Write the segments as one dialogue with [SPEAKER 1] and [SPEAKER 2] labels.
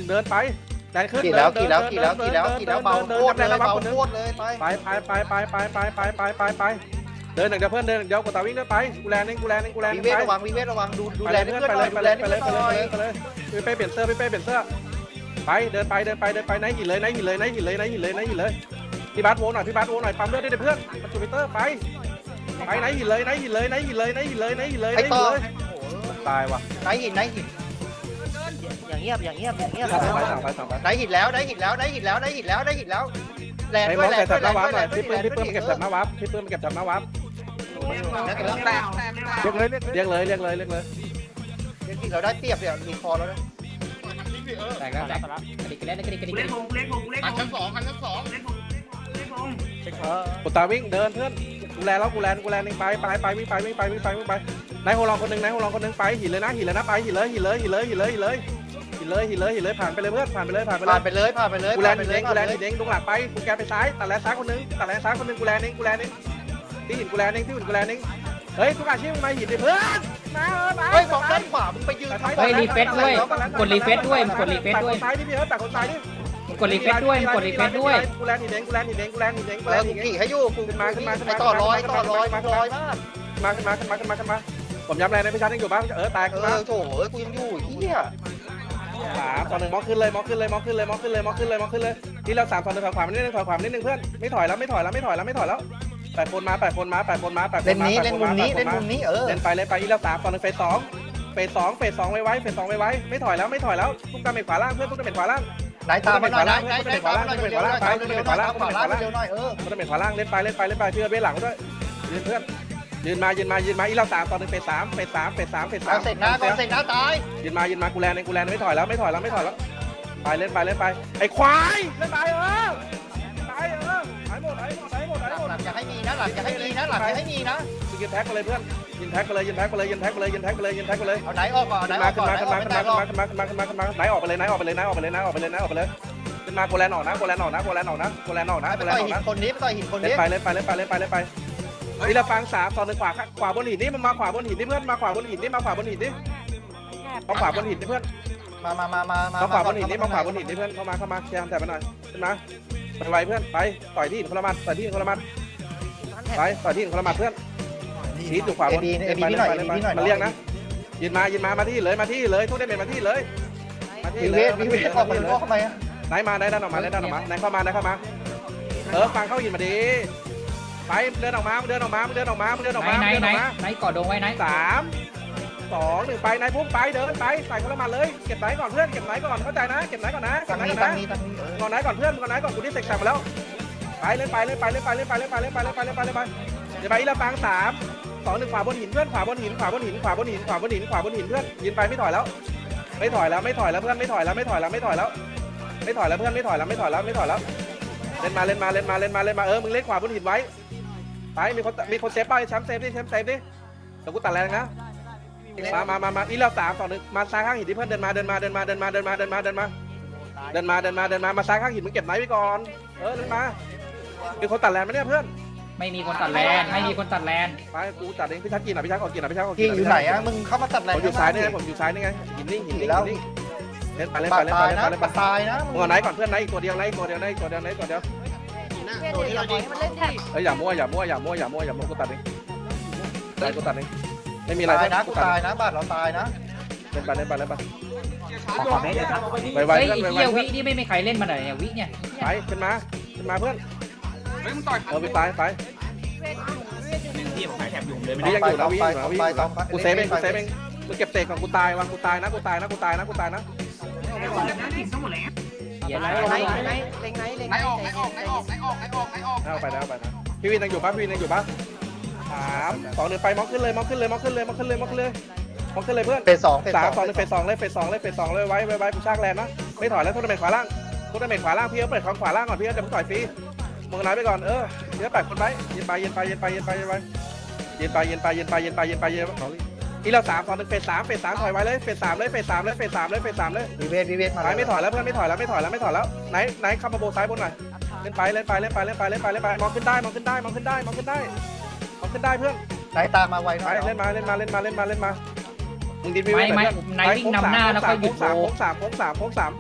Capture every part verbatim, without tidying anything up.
[SPEAKER 1] เดินไปแดนขึ้น
[SPEAKER 2] กี่แล้วกี่แล้วกี่แล้วกี่แล้วกี่แล้วเบาโคตรเลยเบาโคตรเลยไป
[SPEAKER 1] ไปไปไปไปไปไปไปไปไปเดินหนึ่งเดียวเพื่อนเดินเดียวกดตาวิ่งเดินไปกูแลนึงกูแลนึงกูแลนึ
[SPEAKER 2] วิ
[SPEAKER 1] ง
[SPEAKER 2] เว
[SPEAKER 1] ไป
[SPEAKER 2] ทระวังวิเวทระวังดูดู
[SPEAKER 1] ไป
[SPEAKER 2] แล
[SPEAKER 1] เลย
[SPEAKER 2] เพื่
[SPEAKER 1] เพื่
[SPEAKER 2] อ
[SPEAKER 1] อน น
[SPEAKER 2] ห
[SPEAKER 1] ไป
[SPEAKER 2] น่
[SPEAKER 1] เล
[SPEAKER 2] อย
[SPEAKER 1] ย
[SPEAKER 2] ดู
[SPEAKER 1] ไป
[SPEAKER 2] แล
[SPEAKER 1] เลยไป
[SPEAKER 2] เพื่
[SPEAKER 1] เล
[SPEAKER 2] อย นห
[SPEAKER 1] ไป
[SPEAKER 2] น่
[SPEAKER 1] เล
[SPEAKER 2] อย
[SPEAKER 1] ยไปเลยพี่เป้เปลี่ยนเสื้อพี่เป้เปลี่ยนเสื้อไปเดินไปเดินไปเดินไปไหนหินเลยไหนหินเลยไหนหินเลยไหนหินเลยไหนหินเลยพี่บัสโวหน่อยพี่บัสโวหน่อยปั๊มเลือดได้เพื่อนมาจูปิเตอร์ไปไปไหนหินเลยไหนหินเลยไหนหินเลยไหนหินเลยไหนหินเลยไหน
[SPEAKER 2] ไอ้
[SPEAKER 1] หิ
[SPEAKER 2] ต่อน
[SPEAKER 1] เลยตายว่ะ
[SPEAKER 2] ไหนหินไหนหิน
[SPEAKER 3] อย่างเงียบอย่างเงียบอย่างเงียบ
[SPEAKER 1] สั่งไปสั่งไปสั่งไป
[SPEAKER 2] ไหนหินแล้วไหนหินแล้วไหนหินแล้วไหนหินแล้วไหนหินแล้วแลน
[SPEAKER 1] ไอ้
[SPEAKER 2] ด้
[SPEAKER 1] ม
[SPEAKER 2] ว
[SPEAKER 1] อย ง
[SPEAKER 2] แล
[SPEAKER 1] ใส่
[SPEAKER 2] น
[SPEAKER 1] แถ
[SPEAKER 2] ด้วย
[SPEAKER 1] บห
[SPEAKER 2] แล
[SPEAKER 1] น้าน วั
[SPEAKER 2] ด้
[SPEAKER 1] บ
[SPEAKER 2] วย
[SPEAKER 1] หน่อยพี่ปื้มพี่ปื้มเก็บแถบหน้าวับพี่ปื้มเก็บแถบหน้าวับ
[SPEAKER 2] แตก
[SPEAKER 1] เรียกเลยเรียกเลยเรียกเลย
[SPEAKER 2] เราได้เปรียบเนี่ยมีคอแล้วนะ
[SPEAKER 4] แตกแล้วแตกแล้วกระดิกกระเล่นกระดิกกระดิก
[SPEAKER 5] เล่นพงเล่นพงเล่นพ
[SPEAKER 6] อัน
[SPEAKER 5] ง
[SPEAKER 6] ชั้นสองอันชั้นสอง
[SPEAKER 5] เล่นพงเล่นพง
[SPEAKER 1] กดตาวิ่งเดินเพื่อนกูแลแล้วกูแลกูแลนึงไปไปไปวิ่งไปวิ่งไปวิ่งไปวิ่งไปนายโฮลองคนนึงนายโฮลองคนนึงไปหินเลยนะหินเลยนะไปหินเลยหินเลยหินเลยหินเลยหินเลยหินเลยหินเลยหินเลยผ่านไปเลยเพื่อนผ่านไปเลยผ่านไปเล
[SPEAKER 2] ผ่าย นไปเลยผ่านไปเลย
[SPEAKER 1] กูแล
[SPEAKER 2] ผ่าน
[SPEAKER 1] น
[SPEAKER 2] ไป
[SPEAKER 1] หิน
[SPEAKER 2] เล
[SPEAKER 1] เอย งกูแลน
[SPEAKER 2] เล
[SPEAKER 1] หินเองตรงหลังไปกูแกไปซ้ายตัดแลนซ้ายคนนึงตัดแลนซ้ายคนนึงกูแลนเองกูแลนเองที่หินกูแลนเองที่หินกูแลนเองเฮ้ยทุกอาชีพมึงมาหินดิเพื่อนมาเออไป
[SPEAKER 2] เฮ้ยมองด้านขวามึงไปยืน
[SPEAKER 4] เฮ้ยรีเฟซด้วยกดรีเฟซด้วยกดรีเฟซด้วย
[SPEAKER 1] ซ้ายดิพี่เออตัดคนซ้ายดิ
[SPEAKER 4] กดรีเฟซด้วยกดรีเฟซด้วย
[SPEAKER 1] กูแลนหินเองกูแลนหินเองกูแลนหินเองกู
[SPEAKER 2] เอ
[SPEAKER 1] แล
[SPEAKER 2] อน
[SPEAKER 1] หินเอง
[SPEAKER 2] กี่ให้อยู่กู
[SPEAKER 1] ขึ้นมาขึ้นมาขึ้นมา
[SPEAKER 2] ไอต่อร้อยต่อร้อยต่อร้อยมาก
[SPEAKER 1] ขึ้นมาขึ้นมาขึ้นมาขึ้นมาขึ้นมาผมย้ำแรงในพิชาร์ยังอยู่บ้างเออแตก
[SPEAKER 2] เอ
[SPEAKER 1] ขึ้นมา
[SPEAKER 2] อโถเอ้ยกูยังอยู่เฮีย
[SPEAKER 1] สามต่อหนึ่งมอขึ้นเลยมอขึ้นเลยมอขึ้นเลยมอขึ้นเลยมอขึ้นเลยมอขึ้นเลยที่เราสามต่อหนึ่งถอยขวานิดนึงถอยขวานิดนึงเพื่อนไม่ถอยแล้วไม่ถอยแล้วไม่ถอยแล้วไม่ถอยแล้วแปดคนมาแปดคนมาแปดคนมาแปดคน
[SPEAKER 2] เล่น
[SPEAKER 1] มา
[SPEAKER 2] นี้เล่นมุมนี้เล่นมุมนี้เออ
[SPEAKER 1] เล่นไปเล่นไปอีเราสามต่อหนึ่งเฟสสองเฟสสองเฟสสองไว้ไว้เฟสสองไว้ไว้ไม่ถอยแล้วไม่ถอยแล้วทุกตาเมฆขวาล่างเพื่อนทุกตาเมฆขวาล่าง
[SPEAKER 2] ไหนตามมาหน่อยไหนไหนไหนตามมาหน่อยเร็วๆเร็วๆเร็วๆขวาล่างขวาล่างเร็วๆหน่อยเออ
[SPEAKER 1] ทุกตาเมฆขวาล่างเล่นไปเล่นไปเล่นไปเพื่อเบ้หลังด้วยยืนเพื่อนยืนมายืนมายืนมาอีเราสามต่อหนึ่งเฟสสามเฟสสามเฟสสามเฟสสา
[SPEAKER 2] เอา
[SPEAKER 1] ม
[SPEAKER 2] เสร็จนะก่อนเสร็จนะตาย
[SPEAKER 1] ยืนมายืนมากูแลนเองกูแลนไม่ถอยแล้วไม่ถอยแล้วไม่ถอยแล้วไปเล่นไปเล่นไปไอ้ควายเล่นไปเออไปเออหายหมดหายหมดหายหมดหายหมด
[SPEAKER 2] หลังจะให้มีนะหลังจะให้มีนะหลังจะให้มีนะ
[SPEAKER 1] ยืนแท็กไปเลยเพื่อนยืนแท็กไปเลยยืนแท็กไปเลยยืนแท็กไปเลยยืนแท็กไปเลยยืนแท็กไปเลย
[SPEAKER 2] เอาไหนออกก่อนไหน
[SPEAKER 1] ขึ้น
[SPEAKER 2] อ
[SPEAKER 1] มา
[SPEAKER 2] อก
[SPEAKER 1] ขึ้
[SPEAKER 2] ก่
[SPEAKER 1] น
[SPEAKER 2] อน
[SPEAKER 1] มา
[SPEAKER 2] ไหน
[SPEAKER 1] ขึ้น
[SPEAKER 2] อ
[SPEAKER 1] มา
[SPEAKER 2] อก
[SPEAKER 1] ขึ้น
[SPEAKER 2] ไม่
[SPEAKER 1] มา
[SPEAKER 2] ได้
[SPEAKER 1] ขึ้นมาขึ้นมาขึ้นมาขึ้นมาไหนออกไปเลยไหนออกไปเลยไหนออกไปเลยไหนออกไปเลยไหนออกไปเลยขึ้นมาโกแลนออกนะโกแลนออกนะโกแลนออกนะโกแลนออกนะ
[SPEAKER 2] ไป
[SPEAKER 1] โกแลน
[SPEAKER 2] ต่อย
[SPEAKER 1] ออก
[SPEAKER 2] หิน
[SPEAKER 1] นะ
[SPEAKER 2] คนนี้ไปต่อยหินคน
[SPEAKER 1] เล่
[SPEAKER 2] นี้
[SPEAKER 1] นไปเล่นไปเล่นไปเล่นไปเล่นไปนี่เราฟังสามตอนหนึ่งขวาขวาบนหินนี่มันมาขวาบนหินนี่เพื่อนมาขวาบนหินนี่มาขวาบนหินนี่มาขวาบนหินนี่เพื่อน
[SPEAKER 2] มามามามามา
[SPEAKER 1] มาขวาบนหินนี่มาขวาบนหินนี่เพื่อนเข้ามาเข้ามาแชร์แถบมาหน่อยขึ้นมาไปไวเพื่อนไปต่อยที่หินคนละมัดต่อยที่หินคนละมัดไปต่อยที่หินคนละมัดเพื่อนทีอยู่ขวาบน
[SPEAKER 2] เอบี
[SPEAKER 1] เล่น
[SPEAKER 2] บี
[SPEAKER 1] ไป
[SPEAKER 2] พี่
[SPEAKER 1] เล่
[SPEAKER 2] หน่อย
[SPEAKER 1] นไป
[SPEAKER 2] เอ
[SPEAKER 1] เล่นไป
[SPEAKER 2] บีพี่หน่อย
[SPEAKER 1] มาเรียกนะยืนมายืนมามาที่เลยมาที่เลยทุกเดเมจมาที่เลยมาที่
[SPEAKER 2] วิ
[SPEAKER 1] เล
[SPEAKER 2] เวย ทวิเวทออกมาเลยเข้ามา
[SPEAKER 1] ไหนมาไหนดันออกมาไหนดันออกมาไหนเข้ามาไหนเข้ามาเออฟังเข้าหินมาดีไปเดินออกมาเดินออกมาเดินออกมาเดินออก
[SPEAKER 4] ไหน
[SPEAKER 1] มา
[SPEAKER 4] ไหน
[SPEAKER 1] เดิน
[SPEAKER 4] ไหน
[SPEAKER 1] ออกมา
[SPEAKER 4] ไหนกอดดงไว้ไหน
[SPEAKER 1] สามสองหนึ่งไปนายพุ่งไปเดินไปใส่คนละหมัดเลยเก็บไหนก่อนเพื่อนเก็บไหนก่อนเข้าใจนะเก็บไหนก่อนนะเก็
[SPEAKER 2] ตั
[SPEAKER 1] บ
[SPEAKER 2] ง
[SPEAKER 1] ไหน
[SPEAKER 2] นี้
[SPEAKER 1] ก่อน
[SPEAKER 2] ตัง
[SPEAKER 1] นะ
[SPEAKER 2] นี้ตังนี้เออ
[SPEAKER 1] ก่อนไหนก่อนเพื่อนก่อนไหนก่อนกูที่เสกแซมมาแล้วไปเล่นไปเล่นไปเล่นไปเล่นไปเล่นไปเล่นไปเล่นไปเล่นไปเล่นไปเดี๋ยวไปอีละฟังสามสองหนึ่งขวาบนหินเพื่อนขวาบนหินขวาบนหินขวาบนหินขวาบนหินขวาบนหินเพื่อนยืนไปไม่ถอยแล้วไม่ถอยแล้วไม่ถอยแล้วเพื่อนไม่ถอยแล้วไม่ถอยแล้วไม่ถอยแล้วไม่ถอยแล้วเพื่อนไม่ถอยแล้วไม่ถอยแล้วไม่ถอยแล้วเล่นมาเล่นมาเล่นมาเล่นมาเล่นมาเออมึงเล่นขวาบนหินไว้ไปมีคนมีคนเซฟไปแชมป์เซฟดิแชมป์เซฟดิเดี๋ยวกูตัดแรงนะมามามามาอีเราสามสองหนึ่งมาซ้ายข้างหินที่เพื่อนเดินมาเดินมาเดินมาเดินมาเดินมาเดินมาเดินมาเดินมาเดินมาเดินมามาซ้ายข้างหินมึงเก็บไหนไว้ก่อนเออเดินมามีคนตัดแรงไหมเนี่ยเพื่อน
[SPEAKER 4] ไม่มีคนตัดแลนไม่มีคนตัดแลน
[SPEAKER 1] ไปกูตัดเองพี่ชักกินอ่ะพี่ชักออกกินอ่ะพี่ชักออกกิ
[SPEAKER 2] ที่
[SPEAKER 1] น
[SPEAKER 2] อยู่ไหนอะมึงเข้ามาตัดแรง
[SPEAKER 1] ผมอยู่ซ้ายนี่ไงผมอยู่ซ้ายนี่ไงหินนี่หินนี่หินนี่เล่นไปเล่นไป
[SPEAKER 2] ปาด
[SPEAKER 1] เล่น
[SPEAKER 2] ตา
[SPEAKER 1] ไป
[SPEAKER 2] ย
[SPEAKER 1] เล่น
[SPEAKER 2] นะ
[SPEAKER 1] ไปเล่นไป
[SPEAKER 2] ปาดตายนะ
[SPEAKER 1] มึงเอาไหนก่อนเพื่อนไหนอีกตัวเดียวไหนอีกตัวเดียวไหนอีกตัวเดียวไหนอีกตัวเดียว
[SPEAKER 5] ตัวที่เราดี
[SPEAKER 1] เอ้ยอย่ามั่วอย่ามั่วอย่ามั่วอย่ามั่วอย่ามั่วกูตัดเองได้กูตัดเองไม่มีอะไร
[SPEAKER 2] ตายนะ
[SPEAKER 1] กู
[SPEAKER 2] กู
[SPEAKER 1] ตัด
[SPEAKER 2] ตายนะบาดเราตายนะ
[SPEAKER 1] เล่นไปเล่นไปเล่นไป
[SPEAKER 3] ขอขอเมตรครับ
[SPEAKER 1] ไปไว
[SPEAKER 4] เฮ้ย
[SPEAKER 1] เพื่อนไปไว
[SPEAKER 4] เฮีย
[SPEAKER 1] เพื่
[SPEAKER 4] วิ
[SPEAKER 1] อน
[SPEAKER 4] นี่ไม่มีใครเล่นมาหน่อยเนี่ยวิเนี่ย
[SPEAKER 1] ไปขึ้นมาขึ้นมาเพื่อน
[SPEAKER 6] เฮ้ยมึงต่อย
[SPEAKER 1] เออไปตายไป
[SPEAKER 5] ที่ผมหายแถบอยู่เลยไม่
[SPEAKER 1] พี่
[SPEAKER 5] ได้
[SPEAKER 1] ยังอยู่นะพี่อยู่นะ
[SPEAKER 2] ต่อ
[SPEAKER 1] พี่
[SPEAKER 2] ไป
[SPEAKER 1] อยู่
[SPEAKER 2] ต่อ
[SPEAKER 1] นะ
[SPEAKER 2] ไป
[SPEAKER 1] กูเซฟเองกูเซฟเองมึงเก็บเตะก่อนกูตายวันกูตายนะกูตายนะกูตายนะกูตายนะ
[SPEAKER 5] ทั้งหมดแล้ว
[SPEAKER 4] เฮีย
[SPEAKER 3] ไหน
[SPEAKER 4] ไร
[SPEAKER 3] ไหนไหนเล็งไหนเล็ง
[SPEAKER 6] ไหนออกไหนออกไหนออกไหนออกไหนออกไหนออก
[SPEAKER 1] เอาไปนะเอาไปนะพี่วินยังอยู่ปะพี่วินยังอยู่ปะสามสองหนึ่งไปมองขึ้นเลยมองขึ้นเลยมองขึ้นเลยมองขึ้นเลยมองขึ้นเลยมองขึ้นเลยเพื่อน
[SPEAKER 2] เฟสสองเฟส
[SPEAKER 1] สาม
[SPEAKER 2] สอง
[SPEAKER 1] สองหนึ่งเฟสสองเลยเฟสสองเลยเฟสสองเลยไว้ไว้ไว้กูชากแลนนะไม่ถอยแล้วทุกตำแหน่งขวาล่างทุกตำแหน่งขวาล่างพี่เอาเปิดของขวาล่างก่อนพี่เอาจะมึงต่อยฟรีมึงไหนไปก่อนเออเดี๋ยวแปดคนไปยืนไปยืนไปยืนไปยืนไปยืนไปยืนไปยืนไปยืนไปยืนไปยืนไปยืนไปอีเราสามสองหนึ่งเฟสสามเฟสสามถอยไว้เลยเฟสสามเลยเฟสสามเลยเฟสสามเลยเฟสสามเลย
[SPEAKER 2] วิเวทวิเวทมา
[SPEAKER 1] ไปไม่ถอยแล้วเพื่อนไม่ถอยแล้วไม่ถอยแล้วไม่ถอยแล้วไหนไหนขับมาโบซ้ายบนหน่อยเล่นไปเล่นไปเล่นไปเล่นไปเล่นไปเล่นไปมองขึ้นได้มองขึ้นได้มองขึ้นได้มองขึ้นได้มองขึ้นได้เพื่อน
[SPEAKER 2] ไหนตามมาไวห
[SPEAKER 1] ไป
[SPEAKER 2] น่อย
[SPEAKER 1] เล่นมาเล่นมาเล่นมาเล่นมาเล่นมามึงดินวิว
[SPEAKER 4] ไม่
[SPEAKER 1] เพื่
[SPEAKER 4] ไม่
[SPEAKER 1] อน
[SPEAKER 4] นายวิ่งนำหน้าแล้วก็หยุดโบ
[SPEAKER 1] โค้งสามโค้งสามโค้งสาม
[SPEAKER 4] มึง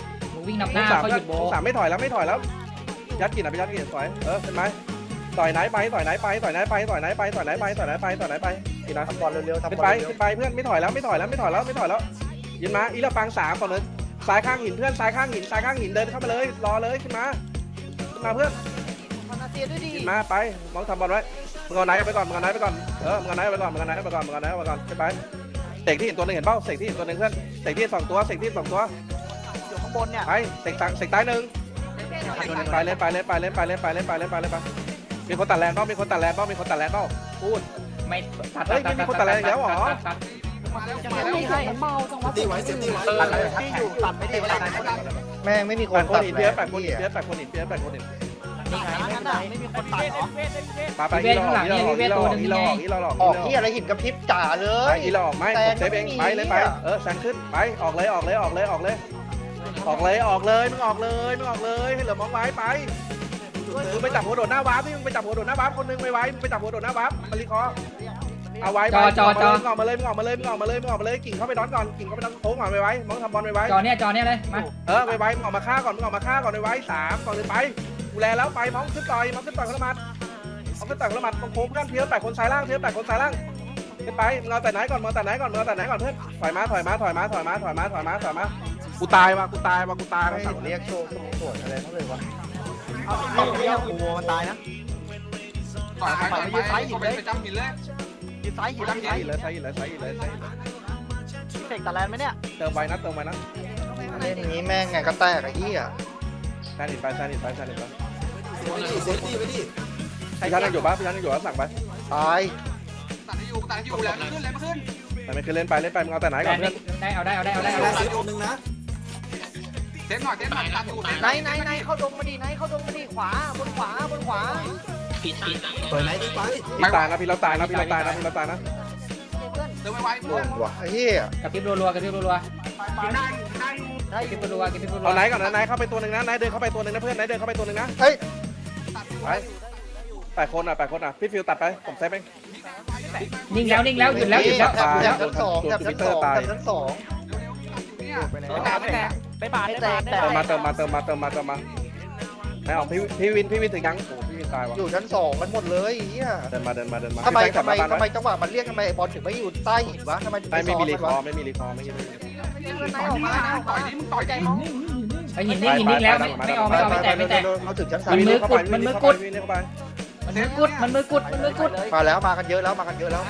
[SPEAKER 4] วิ่งนำห
[SPEAKER 1] ลู
[SPEAKER 4] น้าก
[SPEAKER 1] สาม
[SPEAKER 4] เขาหยุดโบ
[SPEAKER 1] ลูกสามไม่ถอยแล้วไม่ถอยแล้วยัดกินอ่ะไปยัดกินสวยเออเป็นไหมต่อยไหนไปต่อยไหนไปต่อยไหนไปต่อยไหนไปต่อยไหนไปต่อยไหนไปต่อยไหนไปกินนะ
[SPEAKER 2] ทำบอลเร็วๆทำ
[SPEAKER 1] ขึ้น
[SPEAKER 2] บอ
[SPEAKER 1] ไป
[SPEAKER 2] ลเร็ว
[SPEAKER 1] ขึ้นไปเพื่อนไม่ถอยแล้วไม่ถอยแล้วไม่ถอยแล้วไม่ถอยแล้วยืนมาอีละปังสามก่อนเลยซ้ายข้างหินเพื่อนซ้ายข้างหินซ้ายข้างหินเดินเข้ามาเลยรอเลยขึ้นมาขึ้นมาเพื่อน
[SPEAKER 3] พานาเซียด้วยดิ
[SPEAKER 1] ขึ้นมาไปมองทำบอลไว้มึงเอาไหนไปก่อนมึงเอาไหนไปก่อนเออมึงเอาไหนไปก่อนมึงเอาไหนไปก่อนมึงเอาไหนไปก่อนขึ้นไปเสกที่เห็นตัวนึงเห็นเป้าเสกที่เห็นตัวนึงเพื่อนเสกที่สองตัวเสกที่สองตัว
[SPEAKER 3] อยู่ข้างบนเนี่ย
[SPEAKER 1] ไปเสกตังเสกตายหนึ่งไปเล่นไปเล่นไปเล่นไปเล่นไปเล่นไปเล่นไปเล่นไปมีคนตัดแรงเป้ามีคนตัดแรงเป้ามีคนตัดแรงเป้าพูด
[SPEAKER 4] ไม่ตัด
[SPEAKER 1] เฮ้ยไม่มีคนตัดแรงอีกแล้วเหรอ
[SPEAKER 4] ตัด
[SPEAKER 3] ไม่ใช่
[SPEAKER 7] ตีไว้เซฟตี้ไว้
[SPEAKER 3] ตัดที่อยู่ตัดไม่ได้ตัด
[SPEAKER 2] แม่งไม่มีค
[SPEAKER 1] แป
[SPEAKER 2] น
[SPEAKER 1] ดคน
[SPEAKER 2] ตัด
[SPEAKER 1] หิน
[SPEAKER 2] แร
[SPEAKER 1] เพี้ย
[SPEAKER 2] ง
[SPEAKER 1] แปดคนหินเพี้ยแปดคนหินเพี้ยแปดคนหิน
[SPEAKER 3] นี่ไงไม่ได้ไม่มีคนตัดหรอ
[SPEAKER 1] ปาไปอีหลอกอีหลอกอีหลอกอีหลอกอีหลอก
[SPEAKER 2] ออกที่อะไรหินกระพริบจ่าเล
[SPEAKER 1] ไป
[SPEAKER 2] ย
[SPEAKER 1] อีหลอกไม่ผมเซฟเองไปเลยไปเออแซงขึ้นไปออกเลยออกเลยออกเลยออกเลยออกเลยออกเลยมึงออกเลยมึงออกเลยให้เหลือมองไว้ไปมึงไปจับหัวโดดหน้าวาร์ปที่มึงไปจับหัวโดดหน้าวาร์ปคนนึงไปไว้มึงไปจับหัวโดดหน้าวาร์ปมาลีคอเอาไว้มึงออกมาเลยมึงออกมาเลยมึงออกมาเลยมึงออกมาเลยกิ่งเข้าไปดอนก่อนกิ่งเข้าไปดอนโค้งก่อนไปไว้มองทำบอลไปไว้
[SPEAKER 4] จอเนี้ยจอเนี้ยเลยมา
[SPEAKER 1] เออไปไว้มึงออกมาฆ่าก่อนมึงออกมาฆ่าก่อนไปไว้สามก่อนเลยไปกูแลแล้วไปมองขึ้นต่อยมองขึ้นต่อยคนละมัดมองขึ้นต่อยคนละมัดตรงโค้งเพื่อนเพี้ยแปดคนซ้ายล่างเพี้ยแปดคนซ้ายล่างขึ้นไปมึงเอาแต่ไหนก่อนมึงเอาแต่ไหนก่อนมึงเอาแต่ไหนก่อนเพื่อนถอยมาถอยมาถอยมาถอยมาถอยมาถอยมาถอยมากูตายว่ะกูตายว่ะกูตาย
[SPEAKER 2] ไม่
[SPEAKER 1] ว่ะ
[SPEAKER 2] เห็นเรียกโชว์สมสวนอะไรเขาเลยวะ
[SPEAKER 3] เอาเรียกกูมันตายนะ
[SPEAKER 6] ต่อยไปต่อยไปไปไปจำหินเลย
[SPEAKER 3] ยืนซ้ายหินซ้าย
[SPEAKER 1] ใช่เลยใช่เลยใช่เลยใช่เลย
[SPEAKER 3] เสกตัดแลนไหมเนี่ย
[SPEAKER 1] เติมไว้นะเติมไว้นะ
[SPEAKER 2] เล่นนี้แม่งไงก็แตกไอ้เหี้ย
[SPEAKER 1] ใช่หนิไปใช่หนิไปใช่หนิไป
[SPEAKER 7] เซฟตี้ไว้ดิ
[SPEAKER 1] พี่ชันยังอยู่ปะพี่ชันยังอยู่แล้วสั่งไป
[SPEAKER 2] ตาย
[SPEAKER 6] ตัดให้อยู่ตัดให้อยู่แล้วขึ้นเลยมาขึ้น
[SPEAKER 1] แต่ไม่คือเล่นไปเล่นไปมึงเอาแต่ไหน
[SPEAKER 4] แร
[SPEAKER 1] ก่อน
[SPEAKER 4] ง
[SPEAKER 1] เพื่อน
[SPEAKER 4] ได้เอาได้เอาได้เอาได้เอา
[SPEAKER 7] แล้
[SPEAKER 4] ได้
[SPEAKER 7] วตัวนึงนะ
[SPEAKER 6] เซฟหน่อยเซฟหน่อยตัดอยู่
[SPEAKER 3] ไหนไหนไหนเข้าดงมาดิไหนเข้าดงมาดิขวาบนขวาบนขวา
[SPEAKER 7] เปิดไหนดีไป
[SPEAKER 1] พี่ตายนะพี่เราตายนะพี่เราตายนะพี่เราตายนะ
[SPEAKER 6] เติมไว้ไว้
[SPEAKER 2] ล
[SPEAKER 6] เพื่อน
[SPEAKER 2] งว่ะไอ้เหี้ย
[SPEAKER 4] กระพริบรัวๆกระพริบรัว
[SPEAKER 3] ได้
[SPEAKER 4] ๆกระพริบรัวๆกระพริบรัว
[SPEAKER 1] เอาไหนก่อนนะไหนเข้าไปตัวหนึ่งนะไหนเดินเข้าไปตัวหนึ่งนะเพื่อนไหนเดินเข้าไปตัวหนึ่งนะ
[SPEAKER 2] เฮ้ย
[SPEAKER 1] ไปแปดคนอ่ะแปดคนอ่ะพี่ฟิวตัดไปผมเซฟเอง
[SPEAKER 4] ๆนิ่งแล้วนิ่งแล้วหยุดแล้วหยุดแล้ว
[SPEAKER 2] แถบแถบชั้นสองแถบชั้นสองแถบชั้นสอง
[SPEAKER 6] เนี่ย
[SPEAKER 3] ไม่แตกไม่บาดไม่แตก
[SPEAKER 1] เติมมาเติมมาเติมมาเติมมาเติมมาไหนออกพี่พี่วินพี่วินถึงยังโอ้พี่วินตายว่ะ
[SPEAKER 2] อยู่ชั้นสองกันหมดเลยไอ้เหี้ย
[SPEAKER 1] เดินมาเดินมาเดินมา
[SPEAKER 2] ทำไม
[SPEAKER 1] พี่แซ
[SPEAKER 2] ทำไม
[SPEAKER 1] กลับ
[SPEAKER 2] ทำไม
[SPEAKER 1] บ้าน
[SPEAKER 2] จังหวะมันเรียกทำไมบอลถึงไม่อยู่ใต้หินวะทำไมถึง
[SPEAKER 1] ไม่ไม่มีรีคอ
[SPEAKER 2] ซ้อน
[SPEAKER 1] ไม่มีรีคอไม่มีรีคอ
[SPEAKER 3] ไหนออกมาไหนออก
[SPEAKER 6] ต่
[SPEAKER 3] มา
[SPEAKER 6] อยดิมึงต่อย
[SPEAKER 3] ใจ
[SPEAKER 6] ดิ
[SPEAKER 3] มอง
[SPEAKER 4] ไอ้หินนิ่งหินนิ่งแล้วไม่ไม่เอาไม่เอาไม่แตกไม่แตก
[SPEAKER 2] เขาถึงชั้นสาม
[SPEAKER 4] มันมือกุดมันมือกุด
[SPEAKER 1] วินเข้าไป
[SPEAKER 4] มันมือกุดมันมือกุดมันมือกุด
[SPEAKER 2] มาแล้วมากันเยอะแล้วมากันเยอะแล้ว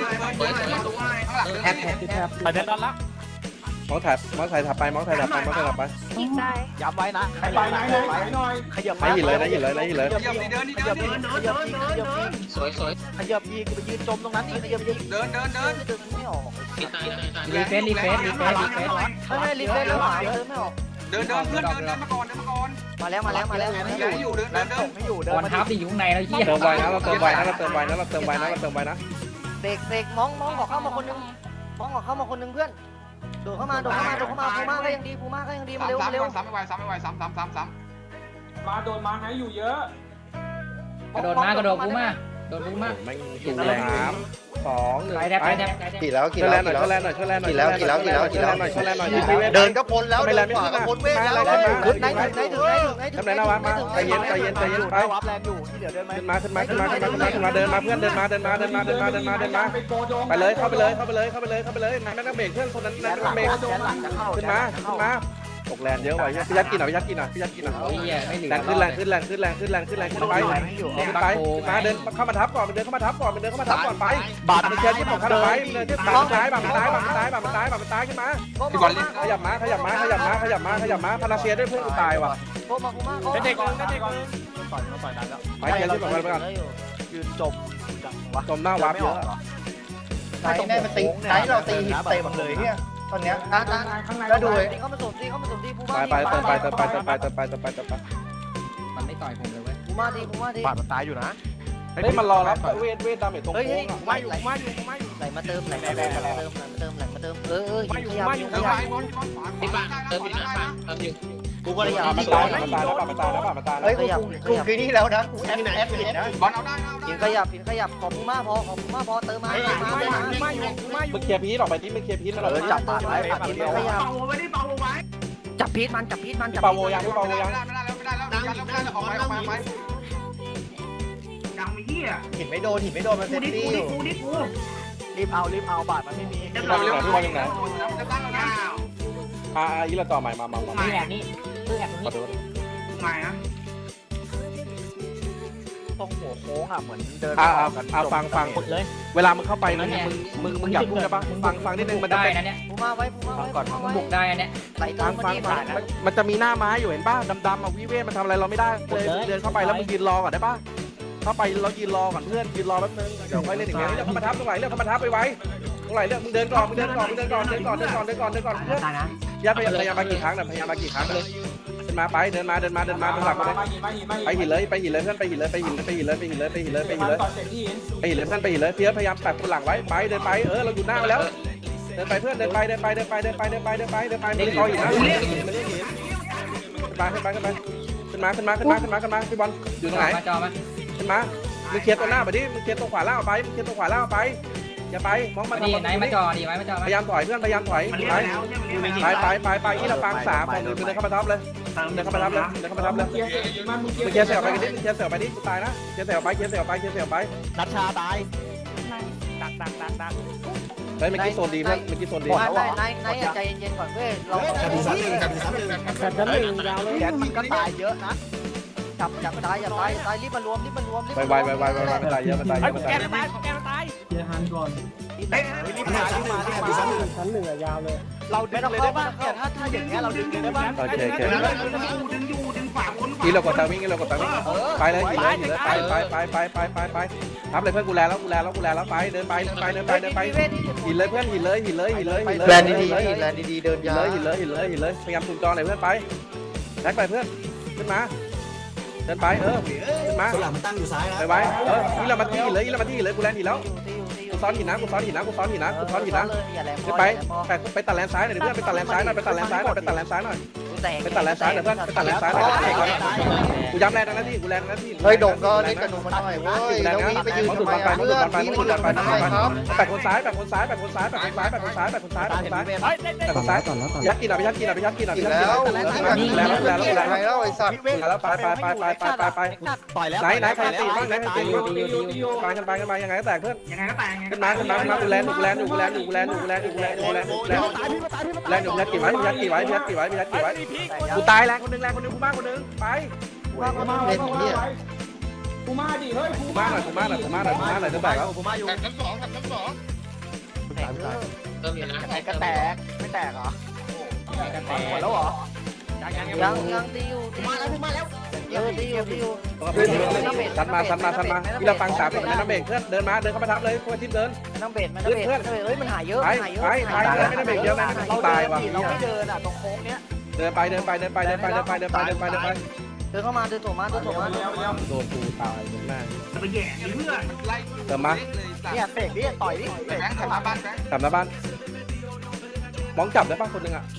[SPEAKER 6] แอปแอป
[SPEAKER 3] ไปเดินด้านละ
[SPEAKER 1] มองแถบมองถ่ายถับไปมองถ่ายถับไปมองถ่ายถับไป
[SPEAKER 3] ย้ำไว้นะขยับไหนหน่อยขยับ
[SPEAKER 1] ไหนหินเลยไหนหินเลยไหนหินเลย
[SPEAKER 6] เดินดิเดินดิ
[SPEAKER 3] ข
[SPEAKER 6] เดิ
[SPEAKER 3] ยั
[SPEAKER 6] น
[SPEAKER 3] บ
[SPEAKER 6] ดิ
[SPEAKER 3] ขยับขยับสวยสวยขยับยีกูไปยืนจมตรงนั้นนี่ขยับยี
[SPEAKER 6] เดินเดินเดิน
[SPEAKER 3] เดินไม่ออก
[SPEAKER 4] รีเฟซรีเฟซรีเฟซรีเฟซ
[SPEAKER 3] ไม่ไม่รีเฟซแล้วหาเดินไม่ออก
[SPEAKER 6] เดินเดินเพื่อนเดินเดินมาก่อนเดินมาก่อน
[SPEAKER 3] มาแล้วมาแล้วมาแล้ว
[SPEAKER 6] ไม่อยู่เดินเดินเดิน
[SPEAKER 3] ไม่อยู่เดิ
[SPEAKER 4] บ
[SPEAKER 3] น
[SPEAKER 4] อล
[SPEAKER 3] มา
[SPEAKER 4] ทับที่อยู่ข้างในแล้วเฮีย
[SPEAKER 1] เติมไวนะเราเติมไวนะเราเติมไวนะเราเติมไวนะเราเติมไวนะ
[SPEAKER 3] เสกเสกมองมองขอเข้ามาคนนึงมองขอเข้ามาคนนึงเพื่อนโดดเข้ามาโดดเข้ามาโดดเข้ามาภูมาก็ยังดีภูมาก็ยังดีมา
[SPEAKER 6] สาม
[SPEAKER 3] เร็ว
[SPEAKER 6] สาม
[SPEAKER 3] เร็ว
[SPEAKER 6] สามไม่ไหวสามไม่ไหวสามสามสามสาม
[SPEAKER 5] มาโดนมาไหนอยู่เยอะ
[SPEAKER 4] กระโดดมากระโดดกูมาโดดกูมา
[SPEAKER 1] แม่งดูแรงสามสองหนึ่ง
[SPEAKER 4] ไปแทบไปแทบ
[SPEAKER 2] กี่แล้วกี่
[SPEAKER 1] ช่วย
[SPEAKER 2] แล้
[SPEAKER 1] แล
[SPEAKER 2] วน
[SPEAKER 1] หน่อย
[SPEAKER 2] กี่
[SPEAKER 1] ช่
[SPEAKER 2] แล้ว
[SPEAKER 1] วยแลนหน่อยช่วยแลนหน่อย
[SPEAKER 2] กี่แล้วกี่แล้วกี่แล้ว
[SPEAKER 1] ช่วยแลนหน่อยช่วยแลนหน่อย
[SPEAKER 2] เดินก็พ้นแล้วเดินขวาก็พ้นเวทแล้ว
[SPEAKER 3] ขึ้นไหนถึงไหนถึงไหนถึงไหนถึง
[SPEAKER 1] ทำไรนะวะมาใจเย็นใจเย็นใจเย็นไป
[SPEAKER 3] วับแรงอยู่ที่เหลือเดินไหม
[SPEAKER 1] ขึ้นมาขึ้นมาขึ้นมาขึ้นมาขึ้นมาขึ้นมาเดินมาเพื่อนเดินมาเดินมาเดินมาเดินมาเดินมาเดินมาไปเลยเข้าไปเลยเข้าไปเลยเข้าไปเลยเข้าไปเลยนายไม่ต้องเบรกเพื่อนคนนั้น
[SPEAKER 3] แข
[SPEAKER 1] นาย
[SPEAKER 3] น
[SPEAKER 1] ไม่
[SPEAKER 3] ห
[SPEAKER 1] ต้
[SPEAKER 3] ลั
[SPEAKER 1] อง งเบรก
[SPEAKER 3] แขนหลังจะเข้า
[SPEAKER 1] ขึ้นมาขึ้นมาตกแรงเยอะว่ะพี่ยัดกินหน่อยพี่ยัดกินหน่อยพี่ยัดกินหน่อย
[SPEAKER 4] โอ้ยไม่เหลือ
[SPEAKER 1] แรงขึ้นแรงขึ้นแรงขึ้นแรงขึ้นแรงขึ้นแรงขึ้นไปขึ้นไปมาเดินเข้ามาทับก่อนเดินเข้ามาทับก่อนเดินเข้ามาทับก่อนไปบาดมันเชียร์ที่ผมคันไว้เดินที่บาดมันตายบาดมันตายบาดมันตายบาดมันตายบาดมันตายขึ้นมา
[SPEAKER 6] พี่บอลเล่น
[SPEAKER 1] ขยับมาขยับมาขยับมาขยับมาขยับมาพาราเซียด้วยเพื่อนกูตายว่ะ
[SPEAKER 3] โคมาโคมาโค
[SPEAKER 5] เด็กก่อนเด็กก่อน
[SPEAKER 3] ต่อยเขาต่อยนั้นแล้ว
[SPEAKER 1] ไปเชียร์ที่ผมคันไปก่อน
[SPEAKER 3] ยืนจมจังวะ
[SPEAKER 1] จมหน้าวาร์ปเยอะ
[SPEAKER 2] ไหนแม่มันตีไหนเราตีหินเต็มเลยเนี่ยตอนเนี้ย
[SPEAKER 3] ตาตา
[SPEAKER 2] ก็ดู
[SPEAKER 3] ตีเข้ามาสวมตีเข้ามาสวมตีภู
[SPEAKER 1] ไป
[SPEAKER 3] มา
[SPEAKER 1] ไปเติมไปเติมไปเติมไปเติมไปเติมไปเติมไป
[SPEAKER 4] มันไม่ต่อยผมเลยเว้ย
[SPEAKER 3] ภูมาดีภูมาดี
[SPEAKER 2] บาดมันตายอยู่นะ
[SPEAKER 1] เฮ้ยมันรอรับเวทเวทดาเมจตรง
[SPEAKER 3] เฮ้ย
[SPEAKER 1] โค้
[SPEAKER 3] เฮ้ย
[SPEAKER 1] งอ่ะ
[SPEAKER 3] มาอยู่มาอยู่มาอยู่ไหลมาเติมไหลมาเติมไหลมาเติมไหลมาเติมไหลมาเติมเออเออขยับข
[SPEAKER 6] เติม
[SPEAKER 3] ยับ
[SPEAKER 6] ไปบอลบอลขวาขวาเติมอีกนะเติมอยู่
[SPEAKER 3] กูก็เลยอยาก
[SPEAKER 1] มันตายมันตายแล้วมันตายแล้วมันตายแล้ว
[SPEAKER 2] เฮ้ยกูกูคือนี่แล้วนะกูแอปแอปผิดนะ
[SPEAKER 6] บอลเอาได้เอา
[SPEAKER 3] ผินข
[SPEAKER 6] ได้
[SPEAKER 3] ยับผินขยับขอภูมาพอขอภูมาพอเติมมาเติมมาเติมมา
[SPEAKER 1] มึงเคลียร์พีทออกไปที่มึงเคลียร์พีทมา
[SPEAKER 3] เออจับปาดไว้ปาดทีเดียว
[SPEAKER 5] เป่าไว้ดิเป่าไว้
[SPEAKER 3] จับพีทมันจับพีทมันจับ
[SPEAKER 1] เปาโวยังเปาโวยัง
[SPEAKER 6] ไม่ได้แล้วไม่ได้แล้วไม่ได้แล้วไม่ได้แล้วออกไปออกไปออกไป
[SPEAKER 2] ยังไม่เหี้ย
[SPEAKER 8] หินไม่โดนหินไม่โดนมันเซ
[SPEAKER 2] กู
[SPEAKER 8] ฟ
[SPEAKER 2] ดิ
[SPEAKER 8] ตี้
[SPEAKER 2] กู
[SPEAKER 8] อ
[SPEAKER 2] ดิ
[SPEAKER 8] ยู่
[SPEAKER 2] กูดิกู
[SPEAKER 3] รีบเอารีบเอาบาทมันไม่มี
[SPEAKER 2] เรียบ
[SPEAKER 1] เรา
[SPEAKER 2] ร้อย
[SPEAKER 1] เรื่องพี่บอลยังไง
[SPEAKER 6] จะตั้งแล้วนะ
[SPEAKER 1] อ่าอีละต่อใหม่มามามา
[SPEAKER 4] คือแอบนี่คือแอบตรง
[SPEAKER 1] ขอ
[SPEAKER 4] นี้
[SPEAKER 1] โทษ
[SPEAKER 2] มานะ
[SPEAKER 8] ตรงหัวโค้งอ่ะเหมือนเดิน
[SPEAKER 1] อ่าอ่าอ่าฟังฟัง
[SPEAKER 4] กดเลย
[SPEAKER 1] เวลามึงเข้าไปมึงมึงมึงมึงอยากพูดได้ปะฟังฟังนิดนึงมันจะ
[SPEAKER 4] ได้
[SPEAKER 1] เป็น
[SPEAKER 4] นะเนี่ย
[SPEAKER 3] ปูมาไว้ปูมาไว้
[SPEAKER 8] ก่อน
[SPEAKER 3] ปู
[SPEAKER 4] มั
[SPEAKER 3] มาน
[SPEAKER 4] บุ
[SPEAKER 3] ไว้
[SPEAKER 4] กได้นะเนี่ย
[SPEAKER 3] ไหลเติ
[SPEAKER 1] ฟั
[SPEAKER 3] ม
[SPEAKER 1] ง
[SPEAKER 3] มา
[SPEAKER 1] ฟัง
[SPEAKER 3] ที่
[SPEAKER 1] ฟั
[SPEAKER 3] ผ่าง นนะ
[SPEAKER 1] มันจะมีหน้าไม้อยู่เห็นป่ะดำๆอ่ะวิเวทมันทำอะไรเราไม่ได้เลยเดินเข้าไปแล้วมึงยืนรอก่อนได้ป่ะเข้าไปเรายืนรอก่อนเพื่อนยืนรอแป๊บนึงเดี๋ยวค่อยเล่นอย่างเงี้ยเรื่องเข้ามาทับตรงไหนเรื่องเข้ามาทับไปไว้ตรงไหนเรื่องมึงเดินก่อนมึงเดินก่อนมึงเดินก่อนเดินก่อนเดินก่อนเดินก่อนเดินก่อนเพื่อน
[SPEAKER 5] ตายนะ
[SPEAKER 1] อย่าพยายามพยายามมากี่ครั้งนะพยายามมากี่ครั้งเลยเดินมาไปเดินมาเดินมาเดินมาเดินหลังมาเลย
[SPEAKER 5] มาหินมาหินมา
[SPEAKER 1] ไปหินเลยไปหินเลยเพื่อนไปหินเลยไปหินเลยไปหินเลยไปหินเลยไปหินเลยไปหินเลย
[SPEAKER 5] ก่อนเสร็จที่หิน
[SPEAKER 1] ไปหินเลยเพื่อนไปหินเลยเพียพยายามแปะคนหลังไว้ไปเดินไปเออเราอยู่หน้าแล้วเดินไปเพื่อนเดินไปเดินไปเดินไปเดินไปเดินไปเดินไปเดินไปไม่ได้คอหินนะขึ้นมาขึ้นมาขึ้นมาขึ้นมาขึ้นมาขึ้นมาขึ้นมาขึ้นมาพี่บอลอยู่ตรงไหน
[SPEAKER 4] มาจอมา
[SPEAKER 1] ขึ้นมามึงเคลียร์ตัวหน้าไปดิมึงเคลียร์ตัวขวาล่างไปมึงเคลียร์ตัวขวาล่างไปอย่าไปมองมา
[SPEAKER 4] ดี
[SPEAKER 1] ทำ
[SPEAKER 4] ไหนมาจอดีไหมมาจอ
[SPEAKER 1] พ
[SPEAKER 4] มาย
[SPEAKER 1] ายามถอยเพื่อนพยายามถอย
[SPEAKER 2] มันเรีย
[SPEAKER 1] ไป
[SPEAKER 2] กแล้วใช่ไหม
[SPEAKER 1] ไปไปไปไปอีละปังสามฝั่งหนึ่งเดินเข้ามาทับเลยเดินเข้ามาทับเลยเดินเข้ามาทับเลย
[SPEAKER 5] เกียร์หินมันมึง
[SPEAKER 1] มึงเคลียร์เสี่ยวไปกันดิมึงเคลียร์เสี่ยวไปดิกูตายนะเคลียร์เสี่ยวไปเคลียร์เสี่ยวไปเคลียร์เสี่ยวไป
[SPEAKER 8] นัชชาตาย
[SPEAKER 3] ดักดักดักดัก
[SPEAKER 1] เฮ้ยเมื่อกี้โซนดีเพื่อนเมื่อกี้โซนดี
[SPEAKER 3] นายนายนายนายใจเย็นๆก่อนเว้ยเรา
[SPEAKER 7] กระดูกซ้ำหนึ่งกระดูกซ้ำหนึ่ง
[SPEAKER 8] แต่ชั้นหนึ่งยาวเลยแกมันก็ตายเยอะนะ
[SPEAKER 3] จับจับตายอย่าตายตายรีบมารวมรีบมารวมรีบ
[SPEAKER 1] ไปไวไปไวไปไวมันตายเยอะมันตายเยอะมันตายเยอะ
[SPEAKER 3] แกมาตาย
[SPEAKER 5] เกียร์หันก่อน
[SPEAKER 2] เฮ้ย
[SPEAKER 8] รีบมารีบมารีบมาชั้นหนึ่งอะยาวเลยเราดึงเลยได้ป่ะเนี่ยถ้าถ้าอย่างเงี้ยเราดึงเลยได้ป่ะ
[SPEAKER 1] โอเคโอเค
[SPEAKER 2] ดึงอยู่ดึงอยู่ดึงขวาบนขวา
[SPEAKER 1] นี่เรากดตาวิ่งนี่เรากดตาวิ่งไปเลยหินเลยหินเลยไปไปไปไปไปไปไปทับเลยเพื่อนกูแลแล้วกูแลแล้วกูแลแล้วไปเดินไปเดินไปเดินไปเดินไปหินเลยเพื่อนหินเลยหินเลยหินเลยหินเลย
[SPEAKER 8] แลนดีๆแลนดีๆเดิน
[SPEAKER 1] หิน
[SPEAKER 8] ยา
[SPEAKER 1] เลยหินเลยหินเลยหินเลยพยายามคุมจอหน่อยเพื่อนไปแท็กไปเพื่อนขึ้นมาเดินไปเออขึ้นมา
[SPEAKER 7] ตัวหลังมันตั้งอยู่ซ้ายนะ
[SPEAKER 1] ไปไปเออนี่เรามาที่หินเลยนี่เรามาที่หินเลยกูแลนหินแล้ว
[SPEAKER 3] ตีอยู่ตีอยู่
[SPEAKER 1] กูซ้อนหินนะกูซ้อนหินนะกูซ้อนหินนะกูซ้อนหินนะ
[SPEAKER 3] อย่าแหลม
[SPEAKER 1] ขึ้นไปไปไปตัดแลนซ้ายหน่อยเพื่อนไปตัดแลนซ้ายหน่อยไปตัดแลนซ้ายหน่อยไปตัดแลนซ้ายหน่อย ไปตัดแลนซ้ายหน่อยเพื่อนไปตัดแลนซ้ายหน่อยกูย้ำแรงนะที่กูแรงนะที่
[SPEAKER 8] เฮ้ยโด่งก็เล่นกระดูกมาหน่อยเว้ยแล้ววิ่งไปยืนทำไมอ่ะเพื่อนวิ่งไปยืนทำไมครับ
[SPEAKER 1] แปะคนซ้ายแปะคนซ้ายแปะคนซ้ายแปะคนซ้ายแปะคนซ้ายแปะคนซ้ายแปะคนซ้ายแปะคนซ้ายยัดกินอ่ะไปยัดกินอ่ะไปยัดกินอ่ะไป
[SPEAKER 8] อีก
[SPEAKER 1] ยัดกิน
[SPEAKER 8] แล้ว
[SPEAKER 1] แล้วแล้วแล้วแล้ว
[SPEAKER 8] ไงแล้วไอ้สัตว์
[SPEAKER 1] แล้วไปไปไปไปไปไปไป
[SPEAKER 8] ปล่อยแล้ว
[SPEAKER 1] ไหนไหนใครตีบ้างไหนใครตี
[SPEAKER 5] ตีอยู่ตีอยู่ตีอยู่
[SPEAKER 1] ไปกันไปกันไปยังไงก็แตกเพื่อน
[SPEAKER 2] ยังไงก็แต่ง
[SPEAKER 1] ขึ้นมาขึ้นมาขึ้นมากูแลนอยู่กูแลนอยู่กูแลนอยู่กูแลนอยู่กูแลนอยู่กูแลนอยู่กูแลนอยู่กูแลนอยู่แลนอยู่ยัดกี่ไว้ยัดกี่ไว้ยัดกี่ไว้ยัดกี่ไว้กูตายแรงคนนึงแรงคนนึงกูมากคนนึงไป
[SPEAKER 5] กูมากูมาดิเฮ้ยกู
[SPEAKER 1] กูมากหน่อยกูมากหน่อยกูมากหน่อยกูมากหน่อยจะแตกแล้ว
[SPEAKER 8] ผมมาอยู่
[SPEAKER 6] แข่งชั้นสองแข่งชั้นสอง
[SPEAKER 8] ไหนก็แตกไม่แตกเหรอ
[SPEAKER 4] กันแต
[SPEAKER 8] หมดแล้วเหรอ
[SPEAKER 3] ยังยังตีอยู่ตีมาแล้วมาแล้วเออตีอยู่ตีอยู่
[SPEAKER 1] ซัดมาซัดมาซัดมาที่เราฟังสามคนในน้ำเบรกเพื่อนเดินมาเดินเข้ามาทับเลยเพื่อนทิพเดิน
[SPEAKER 3] น้ำเบ็ดมันน้ำเบ็ดเฮ้ยมันหายเยอะ
[SPEAKER 1] ไป
[SPEAKER 3] หายเยอะ
[SPEAKER 1] ไปไปไม่ได้เบรกเดียวนะ
[SPEAKER 8] เรา
[SPEAKER 1] ตาย
[SPEAKER 8] เดิน
[SPEAKER 1] ว่ะ
[SPEAKER 8] เราไม่เดินอ่ะตรงโค้งเนี้ย
[SPEAKER 1] เดินไปเดินไปเดินไปเดินไปเดินไปเดินไปเดินไปเดินไป
[SPEAKER 3] เดินเข้ามาเดินตัวมาเดินตัวมา
[SPEAKER 1] โดนกูตายตรงหน้า
[SPEAKER 2] ไปแย่เพื่อน
[SPEAKER 6] ไล่
[SPEAKER 1] เติมมา
[SPEAKER 8] เนี่ยเตะดิต่อยดิ
[SPEAKER 6] แบงค์ทำมาบ้านแบงค์
[SPEAKER 1] กลับหน้าบ้านมองจับได้ป่ะคนนึงอ่ะ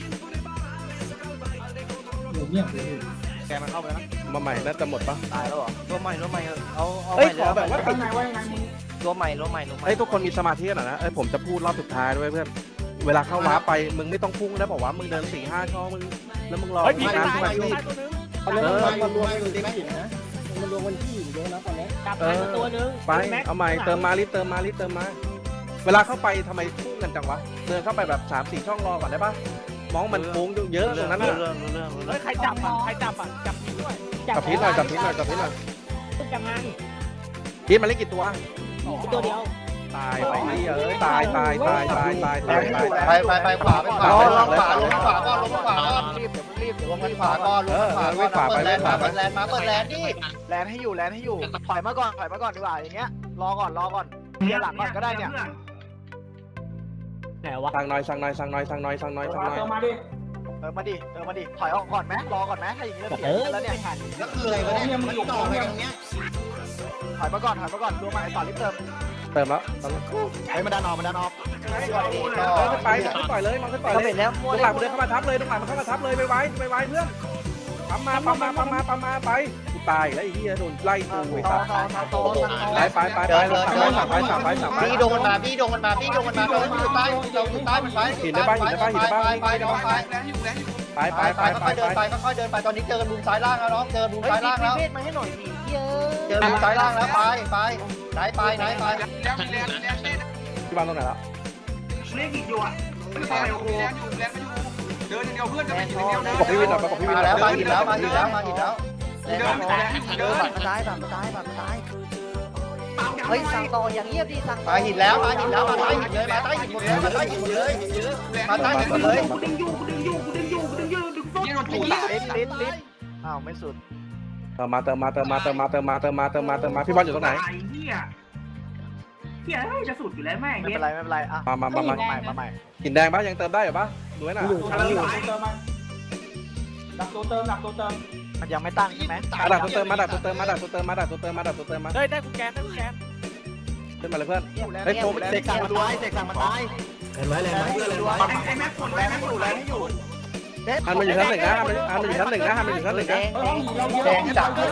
[SPEAKER 8] แกมันเข้าไปแล้วนะ
[SPEAKER 1] มาใหม่น่าจะหมดป่ะ
[SPEAKER 8] ตายแล้วเหรอ
[SPEAKER 3] ตัวใหม่ตัวใหม่เอาเอา
[SPEAKER 1] เฮ้ย
[SPEAKER 3] ใหม่
[SPEAKER 1] ขอแบบว่า
[SPEAKER 5] ข้างในว่ายังไงมึง
[SPEAKER 3] ตัวใหม่ตัวใหม่ตัวใหม่
[SPEAKER 1] เฮ้ยทุกคนมีสมาธิหน่อยนะเอ้ยผมจะพูดรอบสุดท้ายด้วยเพื่อนเวลาเข้าว้าไปมึงไม่ต้องพุ่งนะบอกว่ามึงเดินสี่ห้าช่องมึงแล้วมึงรอมีงานสมาธิ
[SPEAKER 8] เออมันรวมกันอยู่ที่หินนะมันรวมกันที่หินเยอะนะตอนนี้
[SPEAKER 4] จับไปตัวนึง
[SPEAKER 1] ไปเอาใหม่เติมมารีบเติมมารีบเติมมา เวลาเข้าไปทำไมพุ่งกันจังวะเดินเข้าไปแบบสามสี่ช่องรอก่อนได้ปะมองมันโค้งเยอะตรงนั้นน่ะ
[SPEAKER 8] เฮ้ยใครจับอ่ะใครจับอ่ะจับผิดด้วย
[SPEAKER 1] จับพิษหน่อยจับพิษหน่อยจับพิษหน่อย
[SPEAKER 4] จับงาน
[SPEAKER 1] พิษมันเล่นกี่ตัว
[SPEAKER 4] ตัวเดียว
[SPEAKER 1] ตายไปนี่เอ้ยตายตายตายตายตายตายตาย
[SPEAKER 8] ไปไปไปขวาไปขวาลงขวาลงขวาก่อนลงขวาก่อนรีบเดี๋ยวรีบเดี๋ยวลงขวาก่อนลงขวาก่อนเปิดแลนด์มาเปิดแลนด์มาเปิดแลนด์นี่แลนด์ให้อยู่แลนด์ให้อยู่ถอยมาก่อนถอยมาก่อนดีกว่าอย่างเงี้ยรอก่อนรอก่อนเดี๋ยวหลังก่อนก็ได้เนี่ย
[SPEAKER 4] ไหนวะ
[SPEAKER 1] สั่งหน่อยสั่งหน่อยสั่งหน่อยสั่งหน่อยสั่งหน่อยสั่งหน่อย
[SPEAKER 5] เติมมาดิ
[SPEAKER 8] เออมาดิเออมาดิถอยออกก่อนไหมรอก่อนไหมถ้าอย่างนี้เราเสียแล้วเนี่ย
[SPEAKER 7] แล้วคืออะไรวะเนี่ยมันต่อไปตรงเนี้ย
[SPEAKER 8] ถอยมาก่อนถอยมาก่อนรวมมาต่อรีบเติม
[SPEAKER 1] เติมแล้ว
[SPEAKER 8] ไอ้มาดันออกมาดันออก
[SPEAKER 1] เออขึ้นไปขึ้นต่อยเลยมันขึ้นต่อย
[SPEAKER 3] น้ำ
[SPEAKER 1] เล
[SPEAKER 3] เบ็
[SPEAKER 1] ย
[SPEAKER 3] ดแล้ว
[SPEAKER 1] ต
[SPEAKER 3] มั่ว
[SPEAKER 1] รง
[SPEAKER 3] เล
[SPEAKER 1] หลั
[SPEAKER 3] ย
[SPEAKER 1] งมันเดินเข้ามาทับเลยตรงหลังมันเข้ามาทับเลยไปไว้ไปไว้เพื่อนปั๊มมาปั๊มมาปั๊มมาปั๊มมาไปกูตายแล้วไอ้เหี้ยโดนไล่กูไอ้
[SPEAKER 3] ต่อ
[SPEAKER 1] สัส
[SPEAKER 3] ต่อต่อต่อ
[SPEAKER 1] ไปไปไปไปสั่งไปสั่งไปสั่งไปสั่งไป
[SPEAKER 8] บี้โดนมาบี้โดนมาบี้โดนมาเราอยู่ใต้เราอยู่ใต้มันไป
[SPEAKER 1] หินได้ป่ะหินได้ป่ะหินได้ป่ะ
[SPEAKER 8] ไปไป
[SPEAKER 6] แรงอยู่แรงอยู่
[SPEAKER 1] ไปไป
[SPEAKER 2] ไป
[SPEAKER 1] ไป
[SPEAKER 2] ไป
[SPEAKER 1] ไป
[SPEAKER 2] ค่อยๆเดิน
[SPEAKER 1] ไป
[SPEAKER 2] ไปค่อยๆเดินไปตอนนี้เจอกันมุมซ้ายล่างแล้วน้องเจอมุม
[SPEAKER 3] เฮ้ย
[SPEAKER 2] ซ้ายล่างแล้ว
[SPEAKER 3] เวทมาให้หน่อยดิเยอะ
[SPEAKER 2] เจอมุมซ้ายล่างแล้วไปไปไหนไปไหนไป
[SPEAKER 6] แล้วมีแรงแรงเล่น
[SPEAKER 1] ที่บ้านตรงไหนแล้ว
[SPEAKER 6] เล่นอีกอยู่อ่ะแรงอยู่แรงอยู่แรงไม่อยู่เดินอย่างเดียวเพื่อนจะไปอยู่อย่างเดียว
[SPEAKER 1] บอกพี่วินหน่อยบอกพี่วิน
[SPEAKER 2] มา
[SPEAKER 1] หน่
[SPEAKER 2] แล้
[SPEAKER 1] อ
[SPEAKER 2] วย มาหินแล้วมาหินแล้วมาหินแล้ว
[SPEAKER 6] เดินแรงเดิ
[SPEAKER 3] เดิน
[SPEAKER 6] น
[SPEAKER 3] บัตรมาตายบัตรมาตายบัตรมาตายเฮ้ยสั่งต่ออย่างเงียบดิสั่ง
[SPEAKER 2] มาหินแล้วมาหินแล้วมาใต้หินเลยมาใต้หินหมดเลยมาใต้หินเลยมาใต้หินเลย
[SPEAKER 6] ยี่โดนจุ่ม
[SPEAKER 8] ลิ้นลิ้นลิ้นอ้าวไม่สุด
[SPEAKER 1] เติมมาเติมมาเติมมาเติมมาเติมมาเติมมาเติมมาเติมมาพี่บอลอยู่ตรงไหน
[SPEAKER 5] เฮียเฮียจะสุดอยู่แล้วแม่ง
[SPEAKER 8] ไม่เป็นไรไม่เป็นไรอ่ะ
[SPEAKER 1] มามามามา
[SPEAKER 8] ใหม่มาใหม่
[SPEAKER 1] หินแดงปะยังเติมได้เหรอปะดูให้หน่อย
[SPEAKER 5] อยู่ชั้นอยู่เติมมาดักตัวเติมดักตัวเติม
[SPEAKER 8] มันยังไม่ตั้งใช่ไหม
[SPEAKER 1] มาดักตัวเติมมาดักตัวเติมมาดักตัวเติมมาดักตัวเติมมาดักตัวเติมมา
[SPEAKER 8] เฮ้ยได้กูแกนได้กูแกน
[SPEAKER 1] ขึ้นมาเลยเพื่อน
[SPEAKER 8] เฮ้ยโฟมเสกสั่งมาด้วยเสกสั่งมาตาย
[SPEAKER 7] เห็นไว้เลย
[SPEAKER 8] แรง
[SPEAKER 7] ไหม
[SPEAKER 8] ให้อยู่ด้วย
[SPEAKER 5] ไอ้แม็กคน
[SPEAKER 8] แรงให้อยู่แรงให้อยู่
[SPEAKER 1] อันมันอยู่ชั้นหนึ่งนะอันมันอันมันอยู่ชั้นหนึ่งนะอันมันอยู่ชั้นหนึ่งนะ
[SPEAKER 2] แดงจัดเลย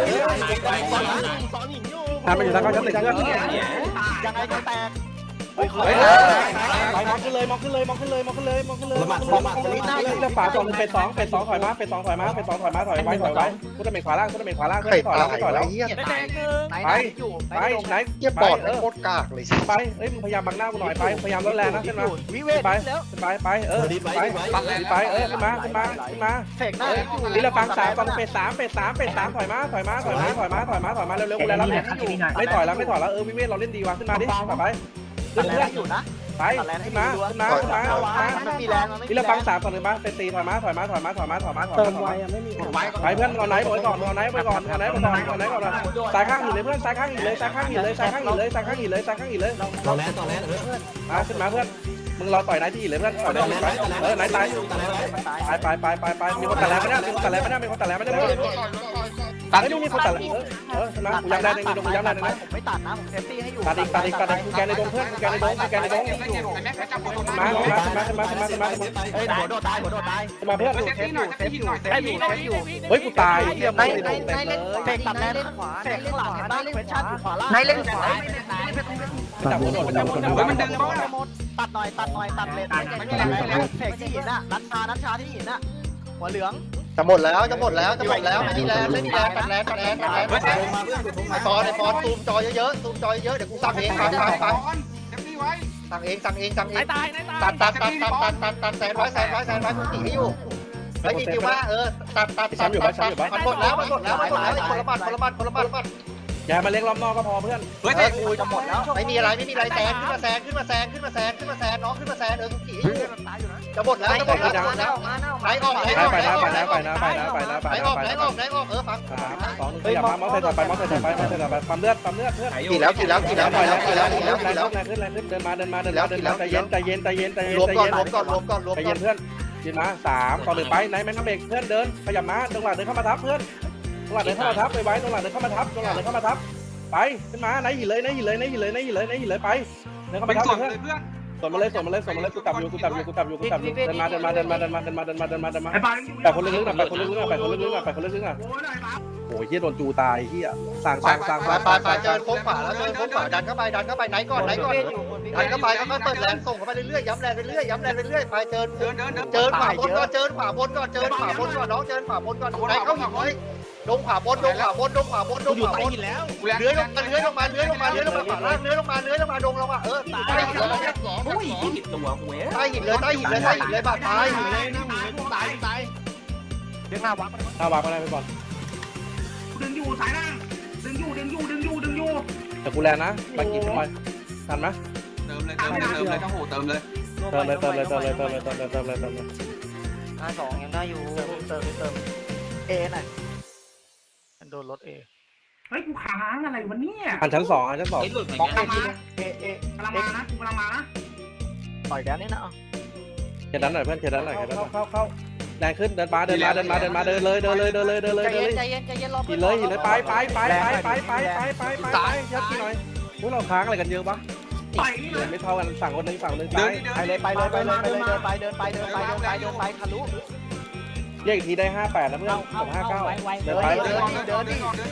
[SPEAKER 1] อันมันอยู่ชั้นชั้นหนึ่งเพื่อน
[SPEAKER 8] ยังไงก็แตก
[SPEAKER 1] เฮ้ยมองขึ้นเลยมองขึ้นเลยมองขึ้นเลยมองขึ้นเลยมองขึ้นเลย
[SPEAKER 7] ละหมาดละหมาด
[SPEAKER 1] เรื่องฝาสองเป็นสองเป็นสองถอยมาเป็นสองถอยมาเป็นสองถอยมาถอยไว้ถอยไว้พุทธเมฆขวาล่างพุทธเมฆขวาล่าง
[SPEAKER 2] ไข่
[SPEAKER 1] ถอย
[SPEAKER 2] ตา
[SPEAKER 1] แล้ว
[SPEAKER 2] ย
[SPEAKER 1] ถอยแล้ว
[SPEAKER 2] เฮีย
[SPEAKER 8] ได้แดงหนึ่งไหนอยู่
[SPEAKER 1] ไปไหน
[SPEAKER 2] เฮียปอดโคตรกากเลย
[SPEAKER 1] ไปเอ้ยมึงพยายามบังหน้ากูหน่อยไปพยายามลดแรงนะขึ้นมา
[SPEAKER 8] วิเวทแล้ว
[SPEAKER 1] ขึ้นไปไปเออไปไปเออขึ้นมาขึ้นมาขึ้นมา
[SPEAKER 8] เสกหน้า
[SPEAKER 1] นี่เราฟังสามตอนเป็ดสามเป็ดสามเป็ดสามถอยมาถอยมาถอยมาถอยมาถอยมาถอยมาเร็วๆกูแล้วไม่ถอยแล้วไม่ถอยแล้วเออวิเวทเราเล่นดีว่ะขึ้นมาดิต่อไป
[SPEAKER 8] ตัดแรงอยู่นะ
[SPEAKER 1] ไปขึ้นมาขึ้นมาขึ้นมา
[SPEAKER 8] มันมีแรงมันไม่มี
[SPEAKER 1] นี่เราฟังสามต่อหนึ่งมาเป็นสี่ถอยมาถอยมาถอยมาถอยมาถอยมาถอย
[SPEAKER 5] เติ
[SPEAKER 1] มาม ถอย
[SPEAKER 5] ไว
[SPEAKER 1] มา
[SPEAKER 5] อ่ะไม่มี
[SPEAKER 1] ไปเพื่อนเอาไหนบอกก่อนเอาไหนไปก่อนเอาไหนไปก่อนเอาไหนก่อนสายข้างหินเลยเพื่อนสายข้างหินเลยสายข้างหินเลยสายข้างหินเลยสายข้างหินเลยสายข้างหินเลย
[SPEAKER 7] ต่อแลนต่อแลนเออ
[SPEAKER 1] มาขึ้นมาเพื่อนมึงรอต่อยไหนที่หินเลยเพื่อนต่อยไหนไปเออไหนตาย
[SPEAKER 7] ต่อแลน
[SPEAKER 1] ไปไปไปไปไปมีคนตัดแล้วไม่ได้มีคนตัดแล้วไม่ได้มีคนตัดแล้วไม่ได้ตัดไม่มีคนตัดแล้วเออชนะกูยังได้ในดงกูยังได้ในนั้น
[SPEAKER 8] ผมไม่ตัดนะผมเซฟตี้ให้อยู่
[SPEAKER 1] ตัดอีกตัดอีกตัดอีกกูแกในดงเพื่อนกูแกในดงกูแกในดง
[SPEAKER 6] แม็กจับหัว
[SPEAKER 1] มามามามามามามา
[SPEAKER 8] เฮ้ยหัวโดดตายหัวโดดตาย
[SPEAKER 1] มาเพื่อน
[SPEAKER 8] เซฟอยู่เซฟอยู่เซฟอยู่เซฟอยู่
[SPEAKER 1] เฮ้ยกูตายเฮีย
[SPEAKER 3] ใน
[SPEAKER 1] ไม่
[SPEAKER 3] ใน
[SPEAKER 1] ได้ดง
[SPEAKER 3] ใน
[SPEAKER 1] เต็มเล
[SPEAKER 3] เล่น
[SPEAKER 1] ย
[SPEAKER 3] เสกตัดแรงเล่นขวา
[SPEAKER 8] เสกข้างหลังเห็นบ้านเควสชั่นอยู่ขวาล่าง
[SPEAKER 3] ในเล่นขวา
[SPEAKER 1] จับหัวโดดจับหัวโดด
[SPEAKER 6] มันดึงบ้า
[SPEAKER 8] ตัดหน่อยตัดหน่อยตัดเลนเสกที่หินน่ะนัดชานัดชาที่หินน่ะหัวเหลือง
[SPEAKER 2] จะหมดแล้วจะหมดแล้วจะหมดแล้วไม่มีแรงไม่มีแรงตัดแรงตัดแรงตัดแรงตัดแรง
[SPEAKER 7] มาเพื่อนอยู่ตรงไหน
[SPEAKER 2] ไอปอนไอปอนซูมจอเยอะๆซูมจอเยอะๆเดี๋ยวกูสั่งเองฟังฟังฟัง
[SPEAKER 6] เซฟตี้ไว้
[SPEAKER 2] สั่งเองสั่งเองสั่งเอง
[SPEAKER 8] ตายตาย
[SPEAKER 2] ตัดตัดตัดตัดตัดตัดตัดแสนร้อยแสนร้อยแสนร้อยกูหนีให้อยู่ไอ้อีคิวมาเออตัดตัดตัดตัดตัดมันหมดแล้วมันหมดแล้วมันหมดแล้วคนละบัตรคนละบัตรคนละบัตรคนละบัตร
[SPEAKER 1] อย่ามาเล็กล้อมนอกก็พอเพื่อน
[SPEAKER 6] เฮ้ย
[SPEAKER 2] เออกูจะหมดแล้วไม่มีอะไรไม่มีอะไรแซงขึ้นมาแซงขึ้นมาแซงขึ้นมาแซงขึ้นมาแซงน้องขึ้นมาแซงเออกูขี่อยู่จะหมดแล้วจะหมดแล้วจะหมดแล้วไหนออกไหนออก
[SPEAKER 1] ไป
[SPEAKER 2] ไหน
[SPEAKER 1] นะ
[SPEAKER 2] ออก
[SPEAKER 1] ไป
[SPEAKER 2] ไหน
[SPEAKER 1] นะ
[SPEAKER 2] อ
[SPEAKER 1] ไป
[SPEAKER 2] อก
[SPEAKER 1] นะไปนะไปนะไป
[SPEAKER 2] ไหน
[SPEAKER 1] นะ
[SPEAKER 2] ออก
[SPEAKER 1] ไป
[SPEAKER 2] ไหน
[SPEAKER 1] นะ
[SPEAKER 2] ออกไหนออกเออฟัง
[SPEAKER 1] สามสองหนึ่งขยับมามอสใส่ต่อไปมอสใส่ต่อไปมอสใส่ต่อไปปั๊มเลือดปั๊มเลือดเพื่อน
[SPEAKER 2] ขี่แล้วขี่แล้วขี่แล้ว
[SPEAKER 1] ปล่อย
[SPEAKER 2] ขี่
[SPEAKER 1] แล้
[SPEAKER 2] แล้ว ว
[SPEAKER 1] ขี่
[SPEAKER 2] ขี่
[SPEAKER 1] แล้
[SPEAKER 2] แล้ว ว
[SPEAKER 1] ขี่
[SPEAKER 2] ขี่
[SPEAKER 1] แล้
[SPEAKER 2] แล้ว ว
[SPEAKER 1] แรงขึ้นแรงขึ้นเดินมาเดินมาเดินมาเดินมาใจเย็นใจเย็นใจเย็นใจเย็น
[SPEAKER 2] รวม
[SPEAKER 1] ใจ
[SPEAKER 2] ก่อน
[SPEAKER 1] เย็น
[SPEAKER 2] รวมก่อนรวมก่อนรวม
[SPEAKER 1] ใจ
[SPEAKER 2] ก่
[SPEAKER 1] เย็
[SPEAKER 2] อน
[SPEAKER 1] นเพื่อนยืนมาสามต่อหนึ่งไปไหนแมนทัมเบรกเพื่อนเดินขยับมาตรงหลังเดินเข้ามาทับเพื่อนตรงหลังเดินเข้ามาทับไปไว้ตรงหลังเดินเข้ามาทับตรงหลังเดินเข้ามาทับไปขึ้นมาไหนหินเลยไหนหินเลยไหนหินเลยไหนหินเลยไหนหินเลยไปเดินเข้า
[SPEAKER 6] เป็
[SPEAKER 1] มาน ทับ
[SPEAKER 6] ส่วน
[SPEAKER 1] เพื่อน
[SPEAKER 6] เลยเพื่อน
[SPEAKER 1] ส่วนมาเลยส่วนมาเลยส่วนมาเลยกูตับอยู่กูตับอยู่กูตับอยู่กูตับอยู่เดินมาเดินมาเดินมาเดินมาเดินมาเดินมาเดินมาเดินมาเดินมา
[SPEAKER 5] ไอ้ปา
[SPEAKER 1] แต่คนลึกๆหน่อยแต่คนลึกๆหน่อยแต่คนลึกๆหน่อยแต่คนลึกๆหน่อยโอ้ยเฮียโดนจูตายเฮียสั่งสั่งสั่ง
[SPEAKER 2] ไป
[SPEAKER 1] สั่ง
[SPEAKER 2] ไปไปเจอโค้งขวาแล้วเจอโค้งขวาดันเข้าไปดันเข้าไปไหนก่อนไหนก่อนดันเข้าไปก็ค่อยเปิดแรงส่งเข้าไปเรื่อยๆย้ำแรงไปเรื่อยย้ำแรงไปเรื่อยไปเจอ
[SPEAKER 6] เดินเดินเดิน
[SPEAKER 2] เจอขวาบนก่อนเจอขวาบนก่อนเจอขวาบนก่อนน้องเจอขวาบนก่อนไหนเข้าหินไว้ดงขวาบนดงขวาบนดงขวาบนดงขวาบนเลื้อยลงมาเลื้อยลงมาเลื้อยลงมาเลื้อยลงมาขวาล่างเลื้อยลงมาเลื้อยลงมาดงลงมาเออใต้หินเลยใต้หินเลยใต้หินเลยใต้หินเลยบาดตายหินเลย
[SPEAKER 5] ตายตาย
[SPEAKER 8] เรียกหน้าวัด
[SPEAKER 1] ถ้าวางอะไรไปก่อน
[SPEAKER 5] ดึงอยู่สายล่างดึงอยู่ดึงอยู่ดึงอยู่ดึงอยู่
[SPEAKER 1] แต่กูแลนะบางกีทำไมทันไหม
[SPEAKER 6] เติมเลยเติมเลยเติมเลยเจ้าโหเติมเลย
[SPEAKER 1] เติมเลยเติมเลยเติมเลยเติมเลยเติมเลยเติมเลยเติมเลย
[SPEAKER 3] ห้าสองยังได้อยู่
[SPEAKER 8] เติมเติมเติมเอหน่อยโดนรถเอ
[SPEAKER 5] เฮ้ยกูค้างอะไรวะเนี่ย
[SPEAKER 1] อันชั้นสองอันชั้นสอง
[SPEAKER 8] มองเอทีเอเอก
[SPEAKER 5] ำลังมานะกูกำลังมานะ
[SPEAKER 8] ต่อยแดนนี่นะ
[SPEAKER 1] เขียนด้านหน่อยเพื่อนเขียนด้านหน่อยเขียนด้านหน่อยเข้าเข้าแรงขึ้นเดินมาเดินมาเดินมาเดินมาเดินเลยเดินเลยเดินเลยเดินเลย
[SPEAKER 3] ใจ
[SPEAKER 1] เดิน
[SPEAKER 3] เย็
[SPEAKER 1] เล
[SPEAKER 3] น
[SPEAKER 1] ย
[SPEAKER 3] ใจเย็นใจเย็นรอ
[SPEAKER 1] หินเลยหินเลยไปไปไปไปไปไปไปไปไปไปยัดกี่หน่อยพวกเราค้างอะไรกันเยอะปะ
[SPEAKER 5] ต่อยนี่เลย
[SPEAKER 1] ไม่เท่ากันสั่งคนนึงสั่งคนนึง
[SPEAKER 6] เดิ
[SPEAKER 1] ซ้าน ย
[SPEAKER 6] เดิน
[SPEAKER 8] ไปเลยไปเลยไปเลยไปเลยเดินไปเดินไปเดินไปเดินไปเดินไปทะลุ
[SPEAKER 1] เรียกอีกทีได้ห้าแปดนะเพื่อนกับห้าเก้าเดิ
[SPEAKER 8] เดิ
[SPEAKER 1] น
[SPEAKER 8] น
[SPEAKER 1] ไป
[SPEAKER 8] ดิเดินดิเดินดิ
[SPEAKER 6] เดินก่อนเดินก่อน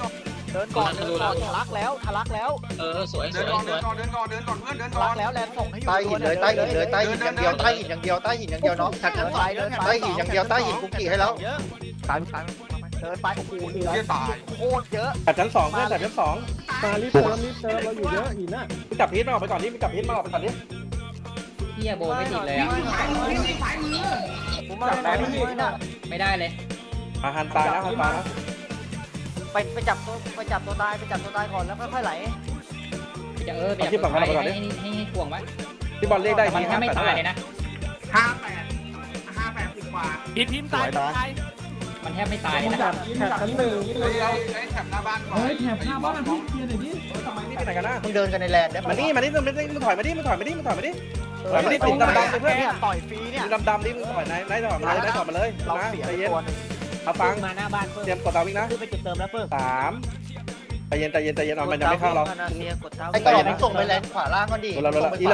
[SPEAKER 3] เดินก่อนเดินก่อนทะลักแล้วทะลักแล้ว
[SPEAKER 6] เดินก่อนเดินก่อนเดินก่อนเดินก่อนเดินก่อนเพื่อนเดิน
[SPEAKER 3] ทะ
[SPEAKER 6] ก่อ
[SPEAKER 3] ลั
[SPEAKER 6] น
[SPEAKER 3] กแล้วแลนส่งให้อยู่
[SPEAKER 2] ใต้หินเลยใต้หินเลยใต้หินอย่างเดียวใต้หินอย่างเดียวใต้หินอย่างเดียวน้อง
[SPEAKER 3] เดินไปเดินไป
[SPEAKER 2] ใต้หินอย่างเดียวใต้หินคุกกี้ให้แล้ว
[SPEAKER 3] ตามตามเดินไปโอ้โหเหลือ
[SPEAKER 6] เพื่อนตาย
[SPEAKER 3] โคตรเยอะ
[SPEAKER 1] จับชั้นสองเพื่อนจับชั้นสอง
[SPEAKER 5] มารีบเติมรีบเติมเราอยู่เยอะหินน่ะ
[SPEAKER 1] พี่จับพีทมาออกไปก่อนนี่พี่จับพีทมาออกไปก่อนนี่
[SPEAKER 4] เฮียโบไม่ติดเลยอ่ะ
[SPEAKER 3] ผมมาเลยนะ
[SPEAKER 4] ไม่ได้เลย
[SPEAKER 1] อาหันตายนะหันตายนะ
[SPEAKER 3] ไปไปจับตัวไปจับตัวตายไปจับตัวตายก่อนแล้วค่อยๆไหล
[SPEAKER 4] จะเออไปจับตัวให้ให้ให้ให้ถ่วงไว้
[SPEAKER 1] พี่บอลเรียกได้
[SPEAKER 4] มัน
[SPEAKER 1] ที
[SPEAKER 4] ถ้าไม่
[SPEAKER 1] แปด
[SPEAKER 4] ตา
[SPEAKER 1] เท่าย ไหร่
[SPEAKER 4] เลยนะ
[SPEAKER 6] ห้าแปดห้าแปดสิบกว่า
[SPEAKER 8] พิมพิมตายตาย
[SPEAKER 4] มันแทบไม่ตายเลย
[SPEAKER 5] มึง
[SPEAKER 4] นะ
[SPEAKER 5] จับแถบชั้นหนึ่ง
[SPEAKER 6] เฮ้ยเอาไอ้แถบหน้าบ้านก่อน
[SPEAKER 5] เฮ้ยแถบหน้าบ้านพี่เคลียร์หน่อยดิ
[SPEAKER 1] ทำไมนี่ไปไหนกันนะ
[SPEAKER 2] มึงเดินกันในแลนด์ได้
[SPEAKER 1] มานี่มานี่มึงมึงถอยมาดิมึงถอยมาดิมึงถอยมาดิถอยมาดิติดดำๆเลยเพื่อน
[SPEAKER 3] เนี่ยต่อยฟรีเนี่ย
[SPEAKER 1] มึงดำๆดิมึงถอยไหนไหนถอยมาเลยไหนถอยมาเลย
[SPEAKER 3] เรา
[SPEAKER 1] นะ
[SPEAKER 3] เสีย
[SPEAKER 1] ใจ
[SPEAKER 3] ไป
[SPEAKER 1] เย็น
[SPEAKER 3] ตัวนึง
[SPEAKER 1] เอาฟัง
[SPEAKER 3] มาหน้าบ้านเพิ่ม
[SPEAKER 1] เตรียมกดตาวิ่งนะ
[SPEAKER 3] คือไปจุดเติมแล้วเพิ่ม
[SPEAKER 1] สามใจเย็นใจเย็นใจเย็นเอามันยังไม่เข้าเรา
[SPEAKER 2] ไอ้กระบอกมึงส่งไปแลนด์ขวาล่างก่อนดิเอ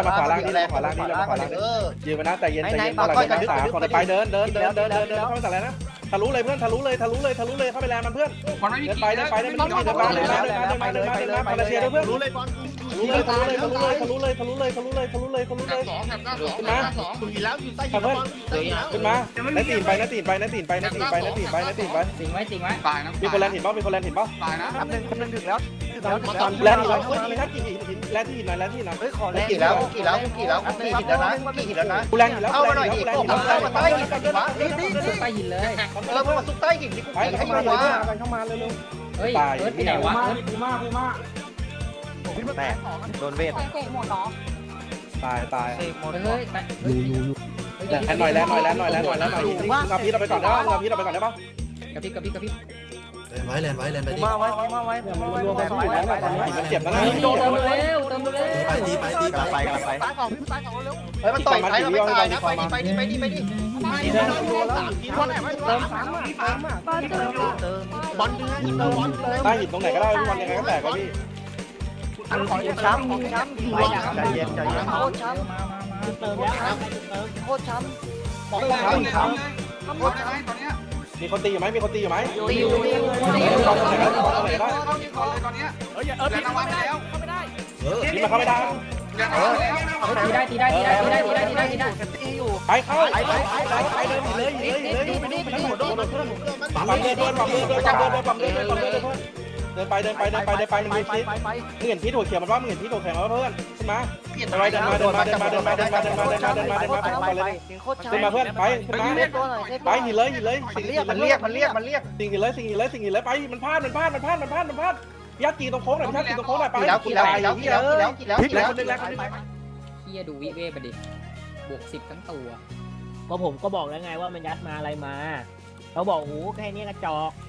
[SPEAKER 2] อ
[SPEAKER 1] ยืนมานะใจเย็นใจเย็นเมื่อไหร่จะสามคนไปเดินเดินเดินเดินเดินเดินเข้าไปสั่งแล้วนะทะลุเลยเพื่อนทะลุเลยทะลุเลยทะลุเลยเข้าไปแลนมันเพื่อน
[SPEAKER 6] มันไม่มี
[SPEAKER 1] เดินไปเดินไปเดินไปเดินไปเดินไปเดินไปเดินไปเดินไปเดินไปเดินไปเชียร์ด้วยเพื่อน
[SPEAKER 2] รู้เลยบอล
[SPEAKER 1] ทะลุเลยทะลุเลยทะลุเลยทะลุเลยทะลุเลยทะลุเลยทะลุเลยทะลุเลย
[SPEAKER 6] สองแถบหน้าสอง
[SPEAKER 1] ขึ้นมา
[SPEAKER 2] อยู่หินแล้วอยู่ใต้หินบอล
[SPEAKER 1] ขึ้นมานาตีนไปนาตีนไปนาตีนไปนาตีนไปนาตีนไปนาตีนไป
[SPEAKER 4] สิงไว้สิงไว้
[SPEAKER 6] ตายนะ
[SPEAKER 1] มีคนแลนหินป่ะมีคนแลนหินป่ะ
[SPEAKER 6] ตายนะ
[SPEAKER 3] คำหนึ่งคำหนึ่งถึงแล้วถึงแล้วถึง
[SPEAKER 1] แล
[SPEAKER 3] แล้ว
[SPEAKER 1] นหินป่ะเฮ้ยมีนักกี่หินแลนที่หินหน่อยแลนที่หินหน่อย
[SPEAKER 3] เฮ้ยขอแรง
[SPEAKER 2] กี่แล้วกี่แล้วกี่แล้วกี่หินแล้วนะกี่หินแล้วนะ
[SPEAKER 1] กูแลนหินแล้ว
[SPEAKER 2] เข้ามาหน่อยดิ
[SPEAKER 1] แลน
[SPEAKER 2] โอ้
[SPEAKER 1] หิน
[SPEAKER 2] เข้ามาใต้หินดิวะ
[SPEAKER 3] นี่นี่นี่
[SPEAKER 4] ใต้หินเลย
[SPEAKER 2] เออมาซุกใต้หินดิกูให้
[SPEAKER 5] เข้า
[SPEAKER 2] อ
[SPEAKER 5] มา
[SPEAKER 2] ยู่
[SPEAKER 5] เลยว
[SPEAKER 2] ะ
[SPEAKER 5] เข้ามาเร็ว
[SPEAKER 4] เฮ้ยเอิร์ธไปไหน
[SPEAKER 5] ๆ
[SPEAKER 4] วะ
[SPEAKER 5] มา
[SPEAKER 4] เอิร์ธ
[SPEAKER 5] ปูมาปูมา
[SPEAKER 3] แตกโดนเวท
[SPEAKER 1] ตายตาย
[SPEAKER 3] เสกหมด
[SPEAKER 4] เฮ้ยเฮ้ย
[SPEAKER 1] แลนหน่อยแลนหน่อยแลนหน่อยแลนหน่อยแลนหน่อยมึงเอาพีทเราไปก่อนได้ป่ะมึงเอาพีทเราไปก่อนได้ป่ะ
[SPEAKER 4] กระพริบกระพริบกระพริบ
[SPEAKER 7] ไว้แลนไว้แลนไป
[SPEAKER 3] ปู
[SPEAKER 7] ดิ
[SPEAKER 3] มาไว้ปูมาไว้ปูมาไว้ปูมาไว้
[SPEAKER 1] มันเจ็บแล้วนะ
[SPEAKER 4] เติมเร็วเติมเร็ว
[SPEAKER 7] ไปดีไปดี
[SPEAKER 3] กลับไปกลับไป
[SPEAKER 2] ตายสองตายสองเร็วเฮ้ยมันต่อยท้ายเราไม่ตายนะไปดิไปดิไปดิไปดิ
[SPEAKER 5] เติมสามอ่ะเติมอ่ะ
[SPEAKER 3] เติมเติม
[SPEAKER 2] บอลเดือดเติมบอลเติม
[SPEAKER 1] ได้หินตรงไหนก็ได้พี่บอลยังไงก็แตกก็พี่
[SPEAKER 3] ของช้ำของช้ำใจเย็นใจเย็นโคตรช้ำ
[SPEAKER 5] เติมแล้ว
[SPEAKER 3] โคตรช้ำ
[SPEAKER 6] บอกเลยเลยทำเลยทำได้ไหมตอนเนี้ย
[SPEAKER 1] มีคนตีอยู่ไหมมีคนตีอยู่ไหม
[SPEAKER 3] ตีอยู่ตีอยู่ตี
[SPEAKER 1] ตี
[SPEAKER 3] อยู่
[SPEAKER 1] ตรงไหนก็ได้ตรงไหนก็ได้
[SPEAKER 6] เข้ายิงก่อนเลยตอนเนี้ย
[SPEAKER 8] เฮ้ยเออ
[SPEAKER 6] เดินเอาไว้ไปแล้ว
[SPEAKER 7] เออ
[SPEAKER 1] นี่มันเข้าไม่ได้
[SPEAKER 6] เดินเอาไว้แล้ว
[SPEAKER 4] ตีได้ตีได้ตีได้ตีได้ตีได้ตีได้ตีได้
[SPEAKER 3] ตีอยู่
[SPEAKER 1] ไปเข้าไปไปไปไปเดินเลยเลยเลยเลยไปไปหมดโดนเพื่อนปั๊มเดินเดินปั๊มเดินเดินปั๊มเดินปั๊มเดินปั๊มเดินปั๊มเดินเพื่อนเดินไปเดินไปเดินไปเดินไปมึง
[SPEAKER 3] ไป
[SPEAKER 1] มี
[SPEAKER 3] ไป
[SPEAKER 1] พิษ
[SPEAKER 3] ไปไป
[SPEAKER 1] มึงเห็นพิษหัวเขียวมันว่ามึงเห็นพิษหัวแข็งแล้วเพื่อนขึ้นมาไปเดินมาเดินมาเดินมาเดินมาเดินมาเดินมาเดินมาเดินมาเดินมาเดินมาเลย
[SPEAKER 3] ถึงโคตรช้ำ
[SPEAKER 1] ขึ้นมาเพื่อนไปขึ้นมา
[SPEAKER 3] เรียกตัวหน่อยเรียก
[SPEAKER 1] ไป
[SPEAKER 3] ตัว
[SPEAKER 1] หินเลยหินเลย
[SPEAKER 2] มันเรียกมันเรียกมันเรียกมันเรียก
[SPEAKER 1] สิ่งหินเลยสิ่งหินเลยสิ่งหินเลยไปมันพลาดมันพลาดมันพลาดมันพลาดมันพลาดยัดกีตรงโค้งหน่อยยัดกีตรงโค้งหน่อยไป
[SPEAKER 2] กี่แล้วกี่แล้วกี่แล้วกี่แล้วกี่แล้วกี่แล้วกี่แล้ว
[SPEAKER 4] เฮียดูวิเวไปดิบวกสิบทั้งตัว
[SPEAKER 9] ก็ผมก็บอกแล้วไงว่ามันยัดมาอะไรมาเขาบอกโอ้โหแค่นี้กระจอก